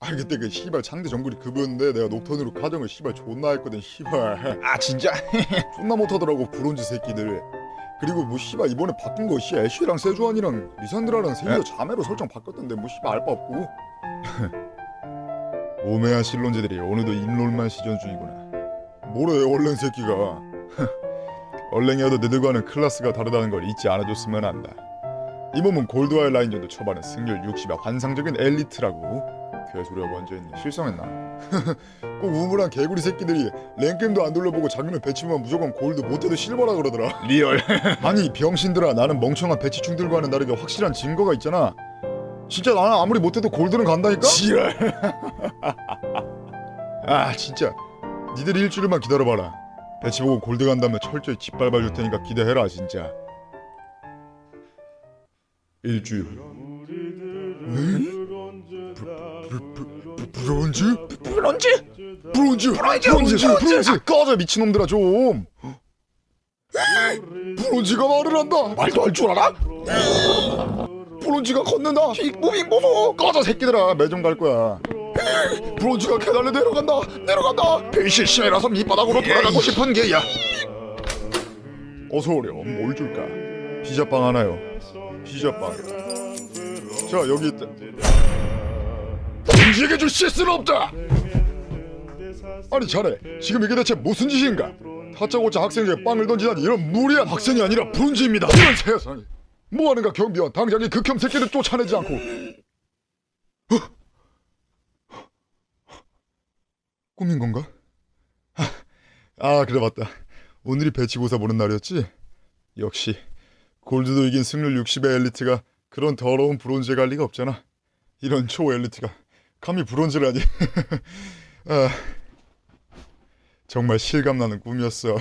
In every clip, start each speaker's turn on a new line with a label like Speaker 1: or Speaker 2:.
Speaker 1: 아 그때 그 씨발 상대 정글이 그거였는데 내가 녹턴으로 가정을 씨발 존나 했거든 씨발.
Speaker 2: 아 진짜?
Speaker 1: 존나 못하더라고 브론즈 새끼들. 그리고 뭐 씨발 이번에 바뀐 거 씨 애쉬랑 세주안이랑 리산드라랑 셋이서 자매로 설정 바꿨던데 뭐 씨발 알바 없고. 오메한 실론제들이 오늘도 인롤만 시전 중이구나. 뭐래 얼랭 새끼가. 얼랭이어도 너들과는 클래스가 다르다는 걸 잊지 않아줬으면 한다. 이 몸은 골드와의 라인전도 초반은 승률 60의 환상적인 엘리트라고. 개소리가 먼저 했니? 실성했나? 꼭 우물한 개구리 새끼들이 랭겜도 안 돌려보고 자기는 배치만 무조건 골드 못해도 실버라 그러더라.
Speaker 2: 리얼.
Speaker 1: 아니 병신들아, 나는 멍청한 배치충들과는 다르게 확실한 증거가 있잖아. 진짜 나는 아무리 못해도 골드는 간다니까?
Speaker 2: 지랄.
Speaker 1: 아 진짜 니들 일주일만 기다려봐라. 배치 보고 골드 간다면 철저히 짓밟아 줄 테니까 기대해라 진짜. 일주일 후. 브론즈? 꺼져 미친놈들아 좀. 브론즈가 말을 한다.
Speaker 2: 말도 할 줄 알아?
Speaker 1: 브론즈가 걷는다. 무빙 보소. 꺼져 새끼들아, 매점 갈 거야. 브론즈가 계단을 내려간다. 필실심이라서 밑바닥으로 돌아가고 싶은 게야. 어서 오렴. 뭘 줄까? 피자빵 하나요. 피자빵. 자 여기 있다. 브론즈에게 줄 실수는 없다. 아니 자네, 지금 이게 대체 무슨 짓인가? 다짜고짜 학생에게 빵을 던지다니 이런 무리한 학생이 아니라 브론즈입니다. 이런 세상에. 뭐하는가 경비원, 당장 이 극혐 새끼를 쫓아내지 않고. 꿈인 건가? 아 그래 맞다. 오늘이 배치고사 보는 날이었지? 역시 골드도 이긴 승률 60의 엘리트가 그런 더러운 브론즈에 갈 리가 없잖아. 이런 초엘리트가 감히 브론즈라니. 아, 정말 실감나는 꿈이었어.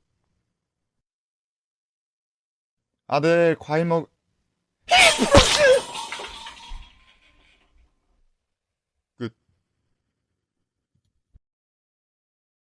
Speaker 1: 아들 과일 먹... 브론즈!